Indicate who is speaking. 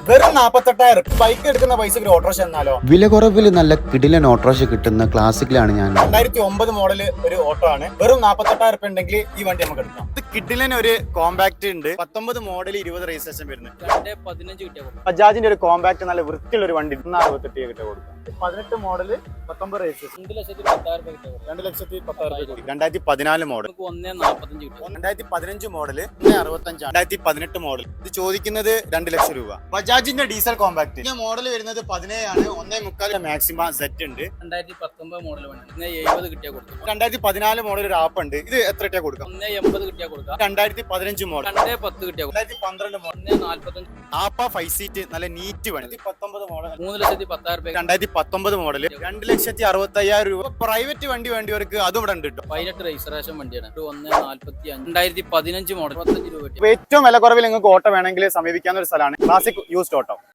Speaker 1: വെറും 48,000 ബൈക്ക് എടുക്കുന്ന പൈസക്ക് ഒരു ഓട്ടോറിക്ഷ എന്നാലോ?
Speaker 2: വില കുറവിൽ നല്ല കിടിലൻ ഓട്ടോറിക്ഷ കിട്ടുന്ന ക്ലാസിക്കിലാണ് ഞാൻ.
Speaker 1: 2009 മോഡൽ ഒരു ഓട്ടോ ആണ്. വെറും 48,000 ഉണ്ടെങ്കിൽ ഈ വണ്ടി നമുക്ക് എടുക്കാം. ഇത് കിഡിലൻ ഒരു കോമ്പാക്ട് ഉണ്ട്. 19 മോഡൽ 20 രജിസ്ട്രേഷൻ വരുന്നത്.
Speaker 3: 15 കിട്ടിയ
Speaker 1: ബജാജിന്റെ ഒരു കോമ്പാക്ട് നല്ല വൃത്തിയുള്ള ഒരു വണ്ടി 68 കിട്ടിയ കൊടുക്കാം. 18 മോഡൽ 19 രജിസ്ട്രേഷൻ 2,10,000 2014 മോഡൽ
Speaker 3: 1,45 കിട്ടും.
Speaker 1: 2015 മോഡൽ 1,65 2018 മോഡൽ. ഇത് ചോദിക്കുന്നത് 2 ലക്ഷം രൂപ. ബജാജിന്റെ ഡീസൽ കോമ്പാക്ട് മോഡൽ വരുന്നത് 17 ആണ്. 1.25 മാക്സിമം സെറ്റ് ഉണ്ട്.
Speaker 3: 2019 മോഡൽ വണ്ടി 70 കിട്ടിയ കൊടുക്കും.
Speaker 1: 2014 മോഡൽ ഒരു ആപ്പ് ഉണ്ട്. ഇത് എത്ര കിട്ടിയാ കൊടുക്കാം?
Speaker 3: 1,80 കിട്ടിയ കൊടുക്കാം.
Speaker 1: 2015 മോഡൽ
Speaker 3: 2,10 കിട്ടിയ കൊടുക്കാം.
Speaker 1: 2012 മോഡൽ
Speaker 3: 1,45
Speaker 1: ആപ്പ 5 സീറ്റ് നല്ല നീറ്റ് വണ്ടി. 19 മോഡൽ
Speaker 3: 3,10,000
Speaker 1: 2019 മോഡൽ 2,65,000 രൂപ. പ്രൈവറ്റ് വണ്ടി വേണ്ടിയവർക്ക് അതും ഇവിടെ ഉണ്ട് കേട്ടോ.
Speaker 3: 18 രജിസ്ട്രേഷൻ വണ്ടിയാണ്. 1,45 2015 മോഡൽ 25 രൂപ.
Speaker 1: ഏറ്റവും വില കുറവിൽ നിങ്ങൾക്ക് ഓട്ടോ വേണമെങ്കിൽ സമീപിക്കാവുന്ന ഒരു സ്ഥലമാണ് ക്ലാസിക് യൂസ്ഡ് ഓട്ടോ.